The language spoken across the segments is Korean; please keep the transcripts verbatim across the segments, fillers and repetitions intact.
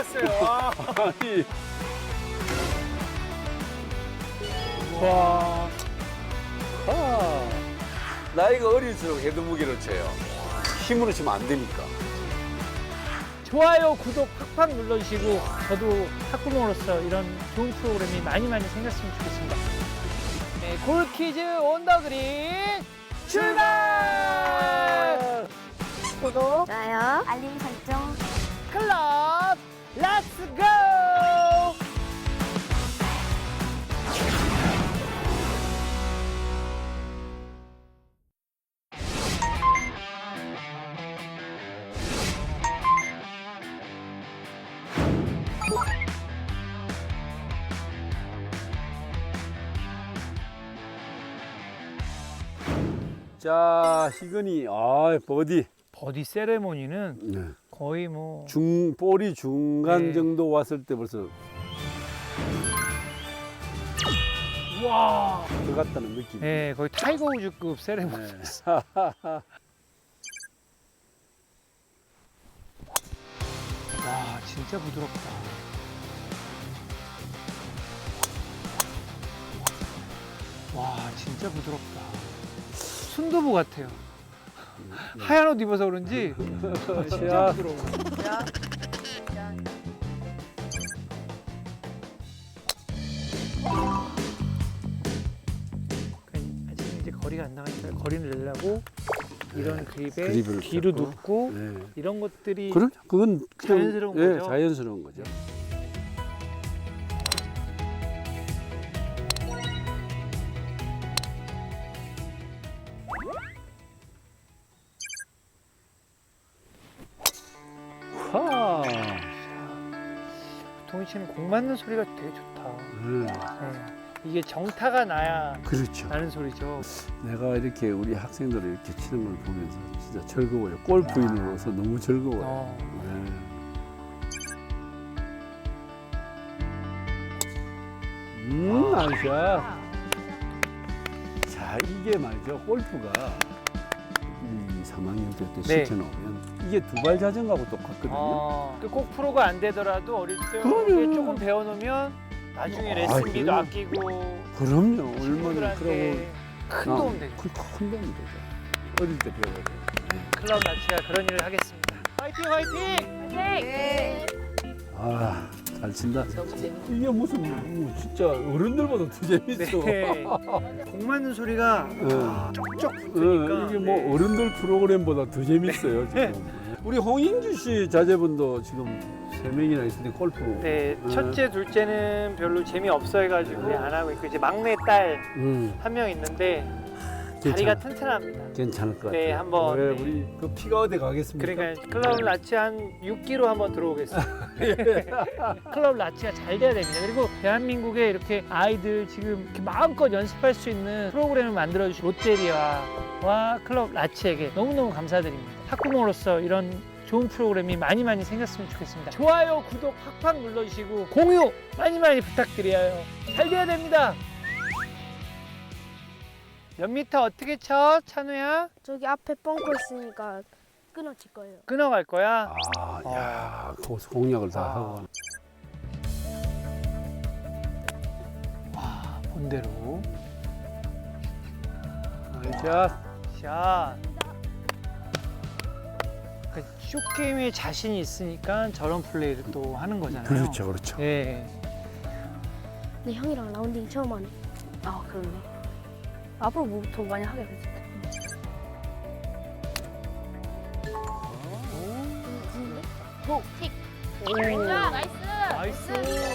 났어요. 아. 아니. 와. 아. 나이가 어릴수록 해도 무게를 쳐요. 힘으로 치면 안 되니까. 좋아요, 구독 팍팍 눌러주시고 저도 탁구공으로서 이런 좋은 프로그램이 많이 많이 생겼으면 좋겠습니다. 네, 골키즈 온더그린 출발! 구독, 좋아요, 알림 설정. 클럽 렛츠 고! 자, 희근이, 아, 버디. 버디 세레모니는 네. 거의 뭐 중, 볼이 중간 네. 정도 왔을 때 벌써 와, 들어갔다는 느낌. 네, 거의 타이거 우즈급 세레모니. 네. 와, 진짜 부드럽다. 와, 진짜 부드럽다. 순두부 같아요. 하얀 옷 입어서 그런지 진짜 야. 부드러워. 아직 이제 거리가 안 나가니까 거리를 내려고 이런 그립에 그립을 뒤로 잡고. 눕고 네. 이런 것들이 그럼 그건 그냥, 자연스러운 예, 거죠? 자연스러운 거죠. 하. 동희 씨는 공 맞는 소리가 되게 좋다. 네. 네. 이게 정타가 나야 그렇죠. 나는 소리죠. 내가 이렇게 우리 학생들을 이렇게 치는 걸 보면서 진짜 즐거워요. 골프인으로서 너무 즐거워요. 어. 네. 음, 나이스야. 자, 이게 말이죠. 골프가 이 삼 학년 때부터 네. 시켜놓으면 이게 두발 자전거하고 똑같거든요. 어, 그꼭 프로가 안 되더라도 어릴 때 그럼요. 이게 조금 배워놓으면 나중에 아, 레슨비도 그럼요. 아끼고 그럼요. 얼마나 친구들한테 그러고 큰 아, 도움 되죠. 큰, 큰 도움이 되죠. 어릴 때 배워야 돼요. 클럽 라치가 그런 일을 하겠습니다. 화이팅 화이팅! 네. 아, 잘 친다. 이게 무슨 뭐 진짜 어른들보다 더 재밌어. 네. 공 맞는 소리가 네. 쪽쪽 어, 붙으니까 이게 뭐 어른들 프로그램보다 더 재밌어요 지금. 우리 홍인주 씨 자제분도 지금 세 명이나 있는데 골프. 네, 네. 첫째, 둘째는 별로 재미없어 해가지고 안 하고 있고 이제 막내 딸 한 명 음, 있는데 다리가 튼튼합니다. 괜찮을 것 같아요. 네, 한번, 왜 네. 우리 그 피가 어디 가겠습니까? 그러니까 클럽 라치 한 육 킬로그램 한번 들어오겠습니다. 클럽 라치가 잘 돼야 됩니다. 그리고 대한민국에 이렇게 아이들 지금 이렇게 마음껏 연습할 수 있는 프로그램을 만들어주신 롯데리아와 클럽 라치에게 너무너무 감사드립니다. 탁구공으로서 이런 좋은 프로그램이 많이 많이 생겼으면 좋겠습니다. 좋아요, 구독 팍팍 눌러주시고 공유 많이 많이 부탁드려요. 잘 돼야 됩니다. 몇 미터 어떻게 쳐, 찬우야? 저기 앞에 뻥커 있으니까 끊어질 거예요. 끊어갈 거야? 아, 야, 거기서 공략을 다 아. 하고. 와, 본대로. 나이스. 샷. 그 쇼게임에 자신이 있으니까 저런 플레이를 또 하는 거잖아요. 그렇죠, 그렇죠. 예. 근데 형이랑 라운딩 처음 하네. 아 그러네. 앞으로 뭐 더 많이 하게 되지. 톡. 오. 나이스. 나이스.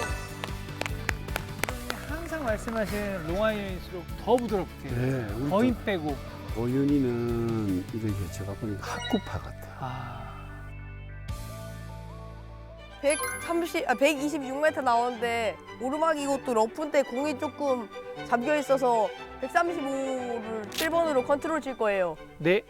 항상 말씀하시는 롱아이언일수록 더 부드럽게. 네, 우리 또 거인 빼고. 고윤이는 이렇게 제가 보니까 학구파 같아요. 아. 백삼십, 아, 백이십육 미터 나오는데 오르막이 이것도 러프인데 공이 조금 잠겨 있어서 백삼십오를 칠 번으로 컨트롤 칠 거예요. 네.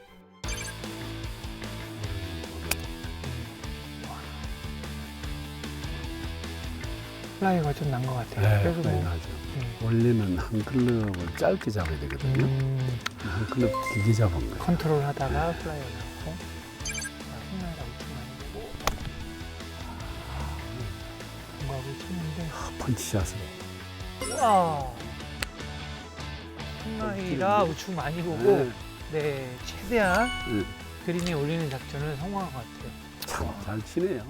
플라이가 좀 난 것 같아요. 네, 그래서 많이 뭐, 나죠. 음. 원래는 한 클럽을 짧게 잡아야 되거든요. 음, 한 클럽 길게 잡은 거예요. 컨트롤 하다가 플라이가 나고. 자, 휘날가 우측 많이 되고. 감각을 치는데. 펀치샷으로. 와. 콩나이라 우측 많이 보고 네. 네 최대한 네. 그린에 올리는 작전을 성공한 것 같아요. 참 잘 치네요.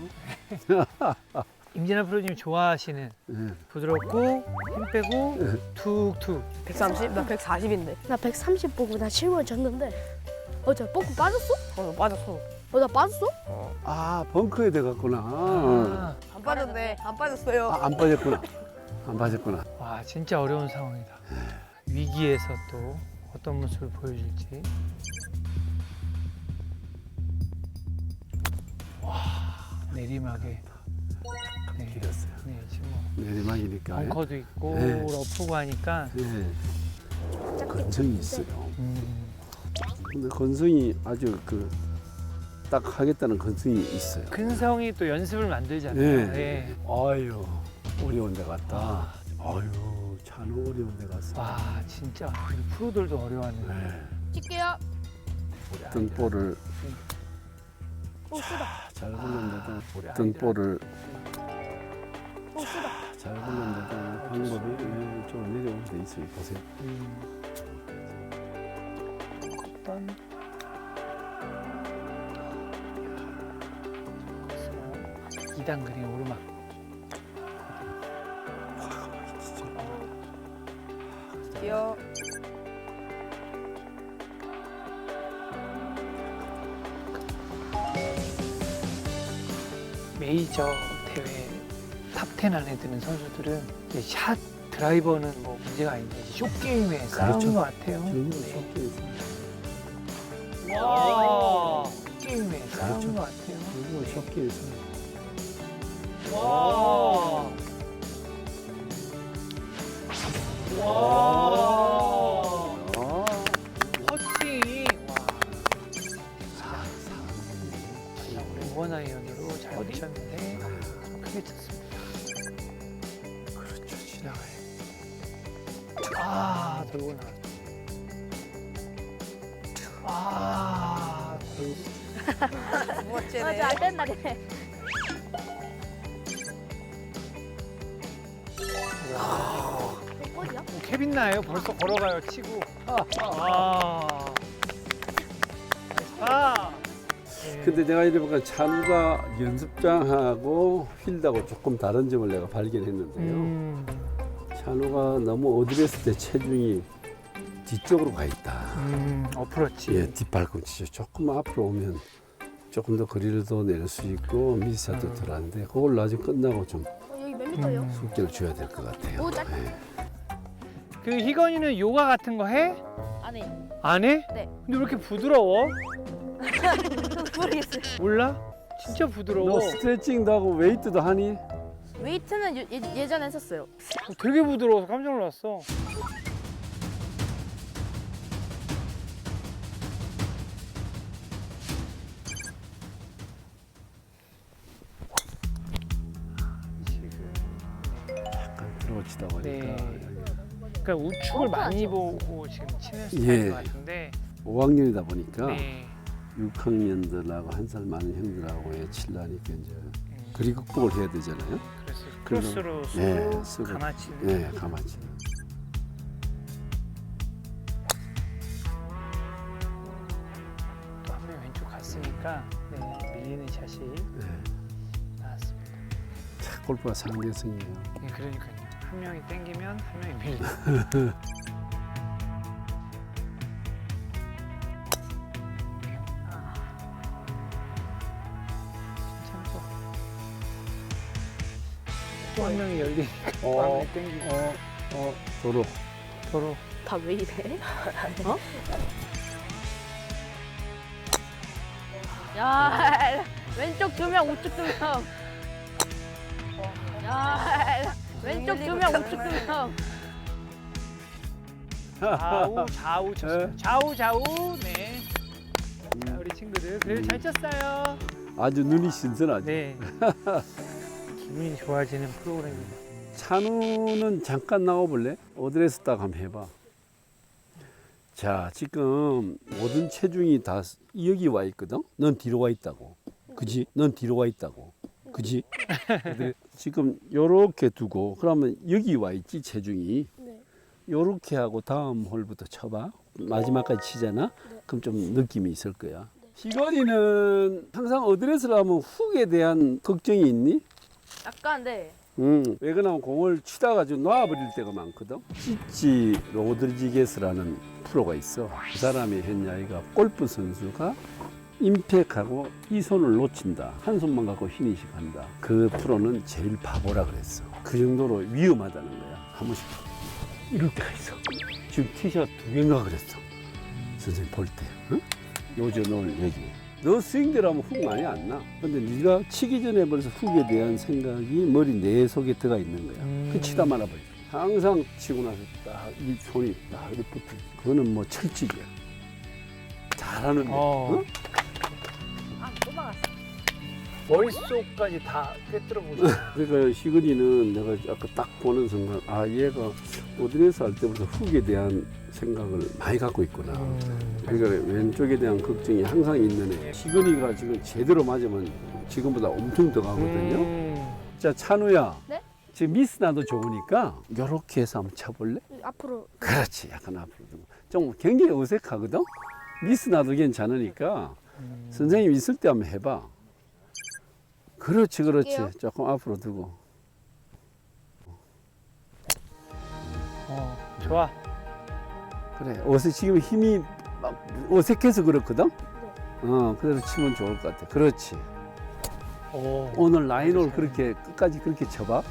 임진아 프로님 좋아하시는 네. 부드럽고 힘 빼고 네. 툭툭. 백삼십? 나 백사십인데. 나 백삼십 보고 나 칠번 쳤는데 어저 뻥크 빠졌어? 어, 빠졌어. 어 나 빠졌어? 아 벙커에 들어갔구나. 아, 안 빠졌네. 안 빠졌어요. 아, 안 빠졌구나. 안 빠졌구나. 와 진짜 어려운 상황이다. 위기에서 또 어떤 모습을 보여줄지. 와 내리막에. 네, 길었어요. 네 지금 뭐 내리막이니까. 벙커도 있고 네. 러프고 하니까. 네. 건성이 있어요. 음, 근데 건성이 아주 그 딱 하겠다는 건성이 있어요. 근성이 또 연습을 만들잖아요. 네. 네. 아유 어려운 데 갔다. 아유 찬우 어려운 데 갔어. 와 진짜 우리 프로들도 어려워하는. 네. 칠게요. 어떤 볼을 오 쓰다. 잘 굴렸는데도 우리 어떤 아이들한테. 볼을 오 쓰다. 잘 굴렸는데도 방법이 좀 내려오게 돼 있어요. 보세요. 음. 어떤 이 단 그린 오르막. 귀여워. 메이저 대회 탑텐 안에 드는 선수들은 이제 샷 드라이버는 뭐 문제가 아닌데 이제 쇼 게임에 싸우는 그렇죠. 것 같아요. 저기 네. 섞여 있어요. 와, 게임에 싸우는 그렇죠. 것 같아요. 여기가 섞여 있어요. 와. 와. 아, 퍼팅. 와. 우리 원 아이언으로 잘 버티셨는데 크게 쳤습니다. 그렇죠. 지나가요. 아, 돌고 나. 아, 돌고. 멋지네. 잘 된다 그래. 몇 번이야? 뭐 케빈 나예요. 벌써 걸어가요. 치고. 아. 아. 네. 근데 내가 이래 보니까 찬우가 연습장하고 필드하고 조금 다른 점을 내가 발견했는데요. 음, 찬우가 너무 어드레스 때 체중이 뒤쪽으로 가 있다. 음, 어프로치. 예, 뒷발꿈치 조금 앞으로 오면 조금 더 거리를 더 낼 수 있고 미스샷도 음. 덜 하는데 그걸 나중에 끝나고 좀 어, 여기 몇 미터요? 음. 숙제를 줘야 될 것 같아요. 오, 짧- 예. 그 희건이는 요가 같은 거 해? 안 해. 안 해? 네. 근데 왜 이렇게 부드러워? 모르겠어요. 몰라? 진짜 부드러워. 너 스트레칭도 하고 웨이트도 하니? 웨이트는 예, 예전에 했었어요. 어, 되게 부드러워서 깜짝 놀랐어. 지금 약간 들어치다 보니까 네. 여기 그러니까 우측을 많이 보고 지금 치는 스타일인 예. 것 같은데. 오 학년이다 보니까 네. 육 학년들하고 한 살 많은 형들하고 칠라니까 이제 음, 거리 극복을 해야 되잖아요. 그래서 그래서- 크로스로 쓰고 네, 쓰고. 가마치는. 네, 가만히. 또 한 명 왼쪽 갔으니까 네, 밀리는 샷이 네. 나왔습니다. 차 골프가 상대성이에요. 네, 그러니까요. 한 명이 땡기면 한 명이 밀리고. 아. 진짜 좋아. 또 한 명이 열리니까 또 한 명이 땡기고. 어, 어, 도로. 도로. 다 왜 이래? 어? 야, 왼쪽 두 명, 우측 두 명. 야, 왼쪽 두 명, 우측 두 명. 좌우 좌우 쳤어요. 네. 좌우 좌우. 네. 자, 우리 친구들 그래도 잘 쳤어요. 아주 눈이 신선하죠. 네. 기분이 좋아지는 프로그램입니다. 찬우는 잠깐 나와볼래? 어드레스 딱 한번 해봐. 자, 지금 모든 체중이 다 여기 와 있거든? 넌 뒤로 와 있다고. 그지? 넌 뒤로 와 있다고. 그지? 근데 지금 요렇게 두고 그러면 여기 와 있지 체중이. 네. 요렇게 하고 다음 홀부터 쳐봐. 마지막까지 치잖아. 네. 그럼 좀 느낌이 있을 거야. 희건이는 항상 어드레스를 하면 훅에 대한 걱정이 있니? 약간 네. 음, 왜 그러냐면 공을 치다가 좀 놔버릴 때가 많거든. 찌찌 로드리게스라는 프로가 있어. 그 사람의 현 이야기가 골프 선수가 임팩하고 이 손을 놓친다. 한 손만 갖고 피니시 간다. 그 프로는 제일 바보라 그랬어. 그 정도로 위험하다는 거야. 한 번씩 이럴 때가 있어. 지금 티샷 두 개인가 그랬어. 선생님 볼 때. 응? 요저 넣을 여기. 너 스윙대로 하면 훅 많이 안 나. 근데 네가 치기 전에 벌써 훅에 대한 생각이 머리 내 속에 들어가 있는 거야. 음. 그 치다 말아버려. 항상 치고 나서 딱 이 손이 딱 이렇게 붙어. 그거는 뭐 철칙이야. 잘하는데. 어. 응? 아, 또 막았어. 머릿속까지 다 꿰뚫어 보죠. 그러니까 희근이는 내가 아까 딱 보는 순간 아 얘가 어드레스 할 때부터 훅에 대한 생각을 많이 갖고 있구나. 그러니까 왼쪽에 대한 걱정이 항상 있는 애. 희근이가 지금 제대로 맞으면 지금보다 엄청 더 가거든요. 음. 자 찬우야. 네? 지금 미스 나도 좋으니까 이렇게 해서 한번 쳐볼래? 앞으로. 그렇지. 약간 앞으로 좀. 좀 굉장히 어색하거든. 미스 나도 괜찮으니까 음. 선생님 있을 때 한번 해봐. 그렇지, 그렇지. 할게요. 조금 앞으로 두고. 어, 좋아. 그래. 어색 지금 힘이 막 어색해서 그렇거든. 어, 그대로 치면 좋을 것 같아. 그렇지. 오. 오늘 라인을 그렇게 끝까지 그렇게 쳐봐.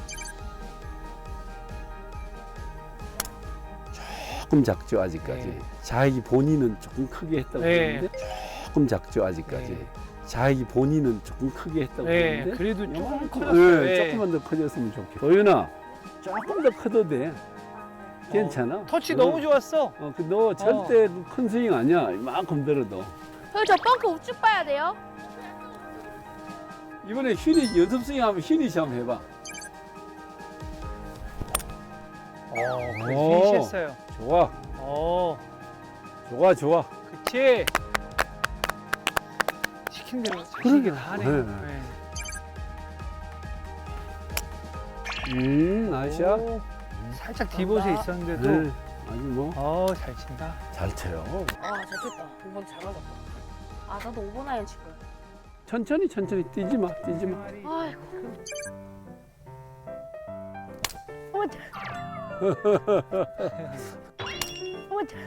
조금 작죠 아직까지. 네. 자기 본인은 조금 크게 했다고 네. 그러는데 조금 작죠 아직까지. 네. 자기 본인은 조금 크게 했다고 네, 그러는데. 그래도 조금 요만큼, 커졌어요. 네, 네. 조금만 더 커졌으면 좋겠어. 도윤아, 조금 더 커도 돼. 괜찮아. 터치 어. 너무 좋았어. 어, 그 너 절대 그큰 스윙 아니야. 이만큼 들어도. 형, 저 벙커 우측 봐야 돼요? 이번에 휘니 연습 스윙 하면 휘니시 한번 해봐. 어, 오. 피니시했어요. 좋아, 어, 좋아, 좋아. 그치. 시킨 대로 자식이 그래. 다 네. 하네. 네. 음, 나이스야. 오, 살짝 디봇에 있었는데도 네, 아주 뭐 어, 잘 친다. 잘 쳐요. 아, 잘 쳤다. 이번 잘 맞았다. 아, 나도 오 번 아이언 칠 거야. 천천히, 천천히 뛰지 마, 뛰지 마. 아이고. 어머, 자. 어머, 자.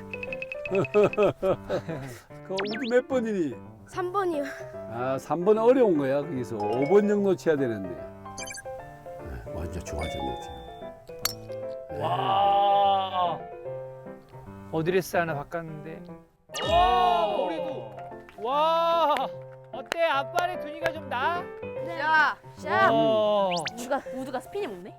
그 우드 몇 번이니? 삼 번이요. 아, 삼 번 어려운 거야. 거기서 오 번 정도 쳐야 되는데. 네, 완전 좋아졌네 지금. 와. 어드레스 하나 바꿨는데. 와, 머리도. 와. 어때? 앞발의 두니가 좀 나? 야, 자, 어. 우드가, 우드가 스피니 먹네?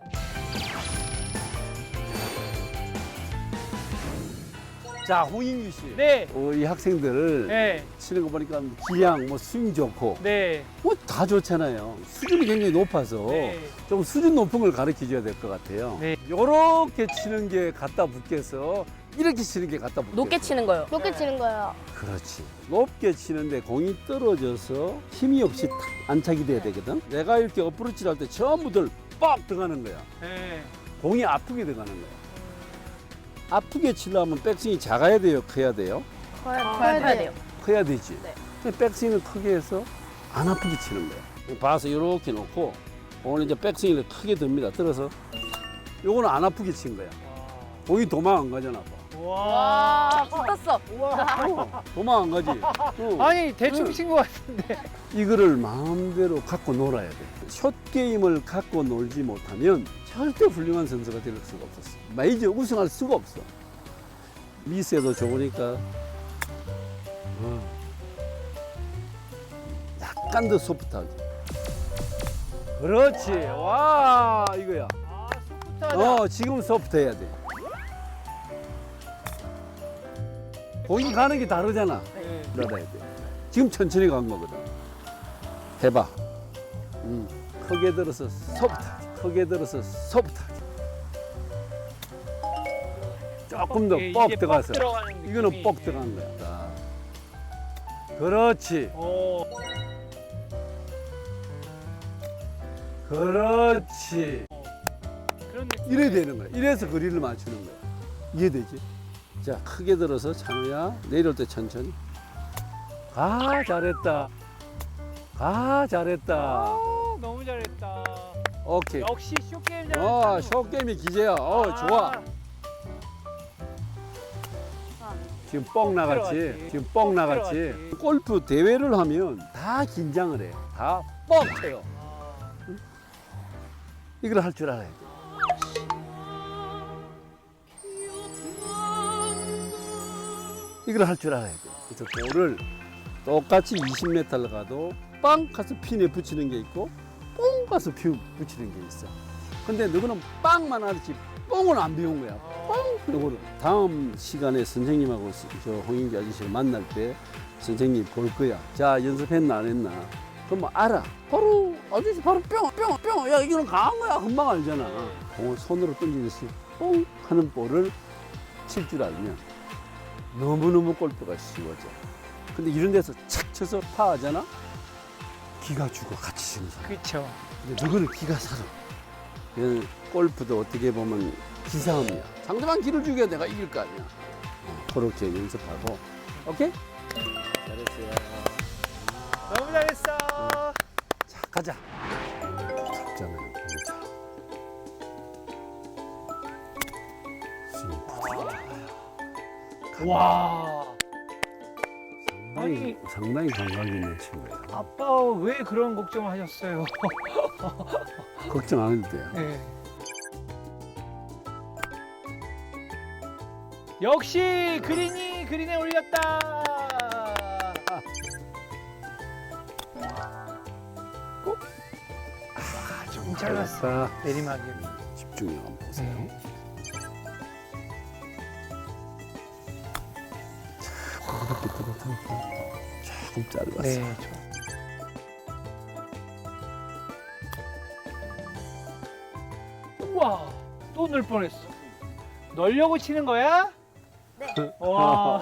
자, 홍인규 씨. 네. 어, 이 학생들 네. 치는 거 보니까 기량, 뭐 스윙 좋고, 네. 뭐 다 좋잖아요. 수준이 굉장히 높아서 네. 좀 수준 높은 걸 가르쳐 줘야 될 것 같아요. 네. 요렇게 치는 게 갖다 붙겠어. 이렇게 치는 게 갖다 붙겠어. 높게 치는 거요. 높게 치는 거예요. 그렇지. 높게 치는데 공이 떨어져서 힘이 없이 탁 안착이 돼야 되거든. 내가 이렇게 어프로치를 할 때 전부들 빡 들어가는 거야. 네. 공이 아프게 들어가는 거야. 아프게 치려면 백스윙이 작아야 돼요? 커야 돼요? 커야, 커야 커야 돼요. 돼요. 커야 되지. 네. 근데 백스윙을 크게 해서 안 아프게 치는 거야. 봐서 이렇게 놓고 오늘 이제 백스윙을 크게 듭니다. 들어서 요거는 안 아프게 친 거야. 공이 도망 안 가잖아. 봐. 와. 아, 붙었어. 어, 도망 안 가지. 어. 아니, 대충 응. 친 것 같은데. 이거를 마음대로 갖고 놀아야 돼. 숏 게임을 갖고 놀지 못하면 절대 훌륭한 선수가 될 수가 없었어. 메이저 우승할 수가 없어. 미스에도 좋으니까 어. 약간 더 소프트하게. 그렇지. 와 이거야. 아, 소프트하다. 어 지금 소프트해야 돼. 공이 가는 게 다르잖아. 네. 들어가야 돼. 지금 천천히 간 거거든. 해봐. 음, 크게 들어서 소프트하게. 크게 들어서 소프트하게. 조금 더 이게 뻑 뻑 들어가서. 들어가는 이거는 느낌이. 뻑 들어간 거야. 자. 그렇지. 오. 그렇지. 그런 느낌. 이래야 되는 거야. 이래서 거리를 맞추는 거야. 이해되지? 자, 크게 들어서 찬우야. 내려올 때 천천히. 아, 잘했다. 아, 잘했다. 아, 너무 잘했다. 오케이. 역시 쇼게임 잘했다. 어, 쇼게임이 기재야. 어, 좋아. 지금 뻥 나갔지. 들어갔지. 지금 뻥 뻥 나갔지. 들어갔지. 골프 대회를 하면 다 긴장을 해. 다 뻥쳐요. 아, 이걸 할 줄 알아야 돼. 이걸 할 줄 알아야 돼. 그래서 볼을 똑같이 이십 미터를 가도 빵 가서 핀에 붙이는 게 있고 뽕 가서 피 붙이는 게 있어. 근데 너는 빵만 알지 뽕은 안 배운 거야. 뽕! 이거를 다음 시간에 선생님하고 저 홍인기 아저씨를 만날 때 선생님 볼 거야. 자, 연습했나 안 했나? 그럼 뭐 알아. 바로 아저씨 바로 뿅, 뿅, 뿅. 야, 이거는 강한 거야. 금방 알잖아. 공을 손으로 던지듯이 뽕 하는 볼을 칠 줄 알면 너무너무 골프가 쉬워져. 근데 이런 데서 착 쳐서 파하잖아? 기가 죽어, 같이 치는 사람. 그쵸. 근데 누구는 기가 살아. 그래서 골프도 어떻게 보면 기싸움이야. 상대방 기를 죽여야 내가 이길 거 아니야. 어, 그렇게 연습하고. 오케이? 잘했어요. 너무 잘했어. 자, 가자. 잡잖아요. 자. 스윙 부드러워요. 와. 상당히, 아니. 상당히 감각 있는 친구예요. 아빠 왜 그런 걱정을 하셨어요? 걱정 안 해도 돼요. 네. 역시 그린이 그린에 올렸다. 꼭. 아, 좀 잘랐어. 잘했어. 내리막이. 집중력 한번 보세요. 네. 조금 짧았어. 네. 좋아. 우와, 또 넣을 뻔했어. 넣으려고 치는 거야? 네. 와,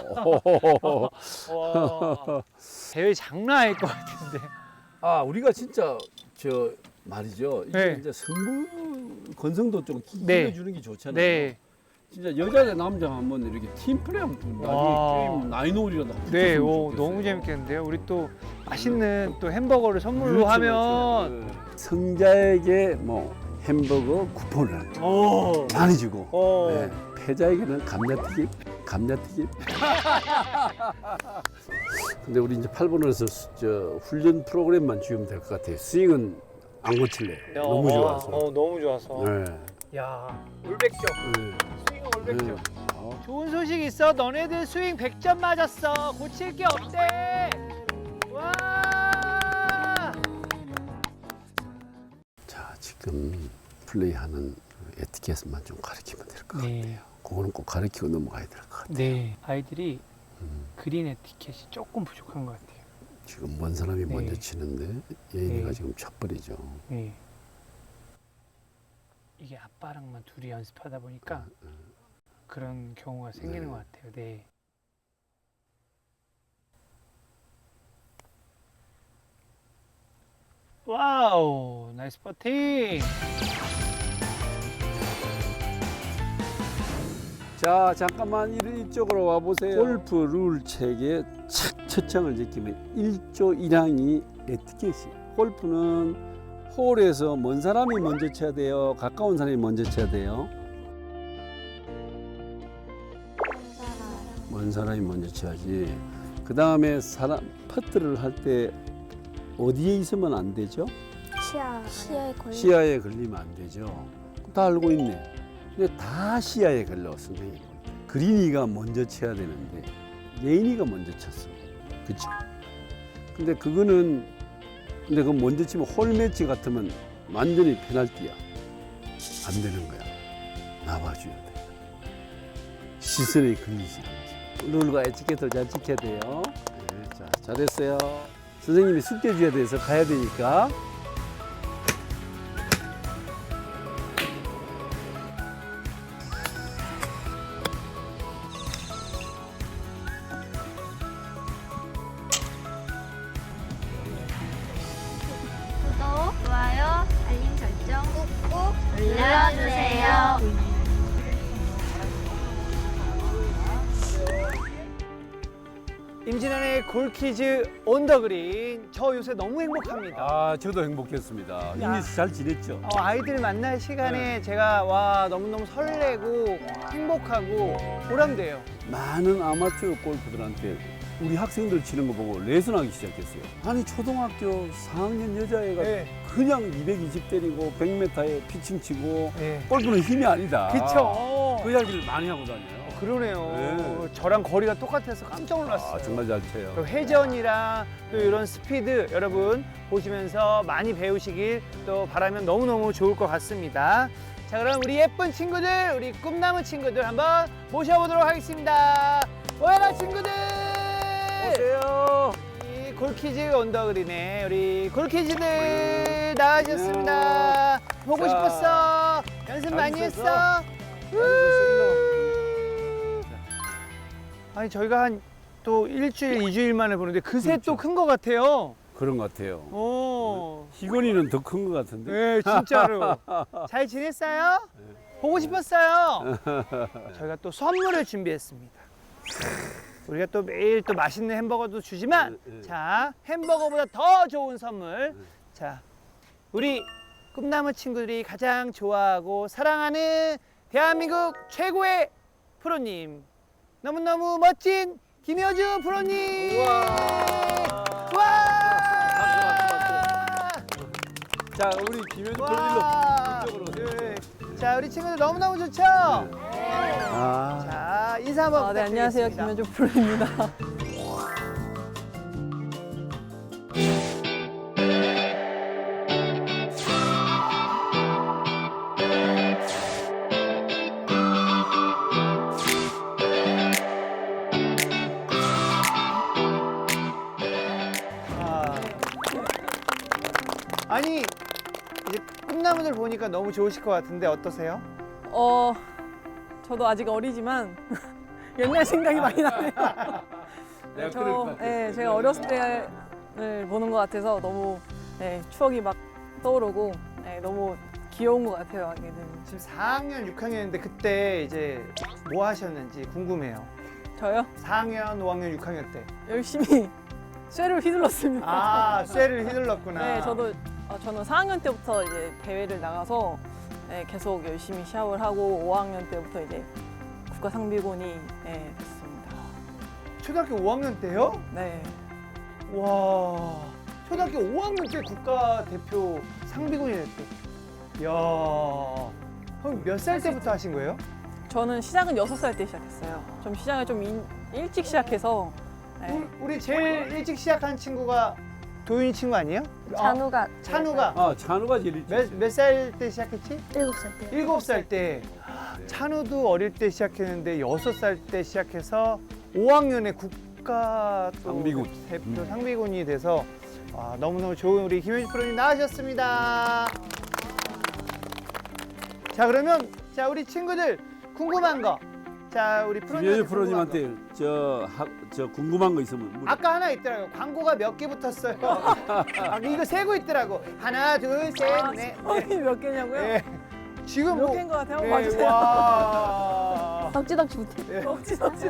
와. 대회 장난 아닐 것 같은데. 아, 우리가 진짜 저 말이죠. 이게 네. 이제 승부 건성도 좀 네. 키워주는 게 좋잖아요. 네, 진짜 여자 대 남자 한번 이렇게 팀 플레이 한번 와. 나중에 게임 나인홀이라도 한번 네, 붙였으면 오, 좋겠어요. 너무 재밌겠는데요. 우리 또 맛있는 또 햄버거를 선물로 그렇죠, 하면. 그렇죠. 네. 승자에게 뭐 햄버거 쿠폰을 오, 많이 주고 오. 네. 패자에게는 감자튀김, 감자튀김. 근데 우리 이제 팔 번에서 저 훈련 프로그램만 주면 될 것 같아요. 스윙은 안 고칠래요. 너무 좋아서. 어, 너무 좋아서. 네. 야, 올백점. 네. 스윙 올백점. 네. 어. 좋은 소식 있어. 너네들 스윙 백 점 맞았어. 고칠 게 없대. 와. 자, 지금 플레이하는 에티켓만 좀 가르치면 될 것 네. 같아요. 그거는 꼭 가르치고 넘어가야 될 것 같아요. 네. 아이들이 음. 그린 에티켓이 조금 부족한 것 같아요. 지금 먼 사람이 네. 먼저 치는데 예인이가 네. 지금 첫벌이죠. 네. 이게 아빠랑만 둘이 연습하다 보니까 그런 경우가 생기는 네. 것 같아요. 네. 와우, 나이스 퍼팅. 자, 잠깐만 이- 이쪽으로 와 보세요. 골프 룰 책에 착 초청을 지키면 일조 일항이 에티켓이에요. 골프는 홀에서 먼 사람이 먼저 쳐야 돼요. 가까운 사람이 먼저 쳐야 돼요. 먼 사람이 먼저 쳐야지. 그 다음에 사람 퍼트를 할 때 어디에 있으면 안 되죠? 시야 시야에 걸려. 시야에 걸리면 안 되죠. 다 알고 있네. 근데 다 시야에 걸려, 선생님 볼 때. 그린이가 먼저 쳐야 되는데 예인이가 먼저 쳤어. 그치? 근데 그거는 근데 그 먼저 치면 홀 매치 같으면 완전히 페널티야. 안 되는 거야. 나와줘야 돼. 시선에 걸리지 않지. 룰과 에티켓을 잘 지켜야 돼요. 네, 자, 잘했어요. 선생님이 숙제 줘야 돼서 가야 되니까. 구독, 좋아요, 알림 눌러주세요. 임진환의 골키즈 온 더 그린. 저 요새 너무 행복합니다. 아, 저도 행복했습니다. 야. 이미 잘 지냈죠? 어, 아이들 만날 시간에 제가 와 너무너무 설레고 행복하고 보람돼요. 많은 아마추어 골프들한테 우리 학생들 치는 거 보고 레슨하기 시작했어요. 아니 초등학교 사 학년 여자애가 네. 그냥 이백이십 때리고 백 미터에 피칭 치고 네. 골프는 힘이 아니다. 그쵸. 그 이야기를 많이 하고 다녀요. 그러네요. 네. 저랑 거리가 똑같아서 깜짝 놀랐어요. 아, 정말 잘 쳐요. 또 회전이랑 또 이런 스피드 여러분 보시면서 많이 배우시길 또 바라면 너무너무 좋을 것 같습니다. 자, 그럼 우리 예쁜 친구들, 우리 꿈나무 친구들 한번 모셔보도록 하겠습니다. 오해라 친구들! 오세요. 이 골키즈 언더그린의 우리 골키즈들 나와주셨습니다. 보고 자, 싶었어. 연습 많이 있었어? 했어. 우! 아니 저희가 한 또 일주일, 이주일 만에 보는데 그새 또 큰 것 같아요. 그런 것 같아요. 오. 희건이는 더 큰 것 같은데. 네, 진짜로. 잘 지냈어요? 보고 싶었어요. 저희가 또 선물을 준비했습니다. 우리가 또 매일 또 맛있는 햄버거도 주지만, 네, 네. 자, 햄버거보다 더 좋은 선물. 자, 우리 꿈나무 친구들이 가장 좋아하고 사랑하는 대한민국 최고의 프로님. 너무너무 멋진 김효주 프로님. 우와. 와. 자, 우리 김현주 와. 프로님도 이쪽으로. 네. 자, 우리 친구들 너무너무 좋죠? 아, 자, 인사 한번 아, 네, 안녕하세요. 부탁드리겠습니다. 김현주 프로입니다. 아. 아니, 이제 꿈나무들 보니까 너무 좋으실 것 같은데 어떠세요? 어, 저도 아직 어리지만 옛날 생각이 많이 나네요. 내가 그럴 것 저, 같아. 예, 제가 어렸을 때를 보는 것 같아서 너무 예, 추억이 막 떠오르고 예, 너무 귀여운 것 같아요, 아기는. 지금 사 학년, 육 학년인데 그때 이제 뭐 하셨는지 궁금해요. 저요? 사 학년, 오 학년, 육 학년 때. 열심히 쇠를 휘둘렀습니다. 아, 쇠를 휘둘렀구나. 네, 저도 어, 저는 사 학년 때부터 이제 대회를 나가서 예, 계속 열심히 시합을 하고 오 학년 때부터 이제 국가 상비군이 예, 됐습니다. 초등학교 오 학년 때요? 네. 와, 초등학교 오 학년 때 국가대표 상비군이 됐대. 이야, 그럼 몇 살 때부터 하신 거예요? 저는 시작은 여섯 살 때 시작했어요. 좀 시작을 좀 인- 일찍 시작해서 네. 우리, 우리 제일 일찍 시작한 친구가 도윤이 친구 아니에요? 찬우가 아, 찬우가 아, 찬우가 제일 일찍. 몇 몇 살 때 시작했지? 일곱 살 때. 일곱 살 때. 찬우도 어릴 때 시작했는데 여섯 살 때 시작해서 오 학년에 국가 또 상비군. 대표 음. 상비군이 돼서 아, 너무너무 좋은 우리 김현주 프로님 나와주셨습니다. 자, 그러면 자 우리 친구들 궁금한 거. 자, 우리 프로님한테 김현주 프로님한테 저, 학, 저 궁금한 거 있으면 물어. 아까 하나 있더라고요. 광고가 몇 개 붙었어요. 아, 이거 세고 있더라고. 하나, 둘, 셋, 아, 넷. 성이 몇 개냐고요? 네. 지금 몇 뭐 개인 것 같아요? 네, 봐주세요. 와. 덕지덕지 못해. 네. 억지 억지.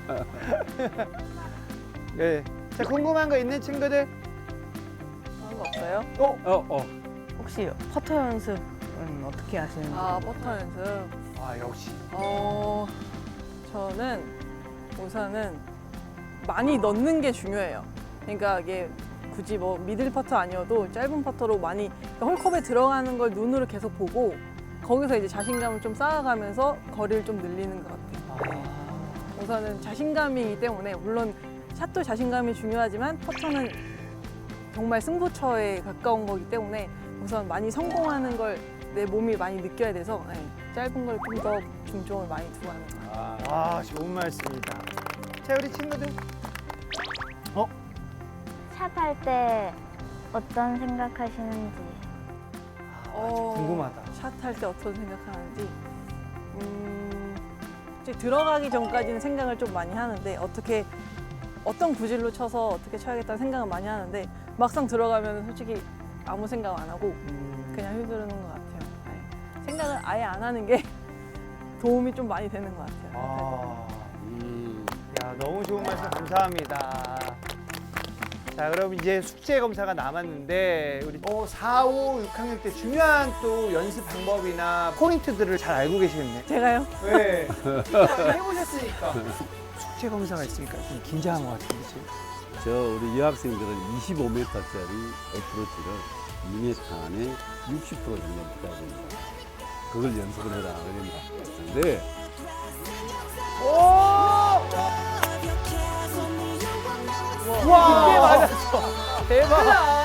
네. 자, 궁금한 거 있는 친구들? 그런 거 없어요? 어? 어, 어. 혹시 퍼터 연습은 어떻게 하시는지? 아, 버터 연습. 아, 역시. 어, 저는 우선은 많이 넣는 게 중요해요. 그러니까 이게 굳이 뭐 미들 퍼터 아니어도 짧은 퍼터로 많이 그러니까 홀컵에 들어가는 걸 눈으로 계속 보고 거기서 이제 자신감을 좀 쌓아가면서 거리를 좀 늘리는 것 같아요. 우선은 자신감이기 때문에 물론 샷도 자신감이 중요하지만 퍼터는 정말 승부처에 가까운 거기 때문에 우선 많이 성공하는 걸 내 몸이 많이 느껴야 돼서 네, 짧은 걸 좀 더 중점을 많이 두고 하는 것 같아요. 아, 아, 좋은 말씀입니다. 자, 우리 친구들. 어? 샷할 때 어떤 생각하시는지. 아, 궁금하다. 샷할 때 어떤 생각하는지. 음, 이제 들어가기 전까지는 생각을 좀 많이 하는데 어떻게 어떤 구질로 쳐서 어떻게 쳐야겠다는 생각을 많이 하는데 막상 들어가면 솔직히 아무 생각 안 하고 음, 그냥 휘두르는 것 같아요. 네. 생각을 아예 안 하는 게 도움이 좀 많이 되는 것 같아요. 아, 음, 야, 너무 좋은 말씀 감사합니다. 자, 그럼 이제 숙제 검사가 남았는데 우리 어, 사, 오, 육 학년 때 중요한 또 연습 방법이나 포인트들을 잘 알고 계시겠네. 제가요? 네. 해보셨으니까. 숙제 검사가 있으니까 좀 긴장한 것 같은데 지금. 저 우리 여학생들은 이십오 미터짜리 어프로치를 이 미터 안에 육십 퍼센트 정도 붙여야 됩니다. 그걸 연습을 해라 그랬는데 와, 이게 맞았어. 대박.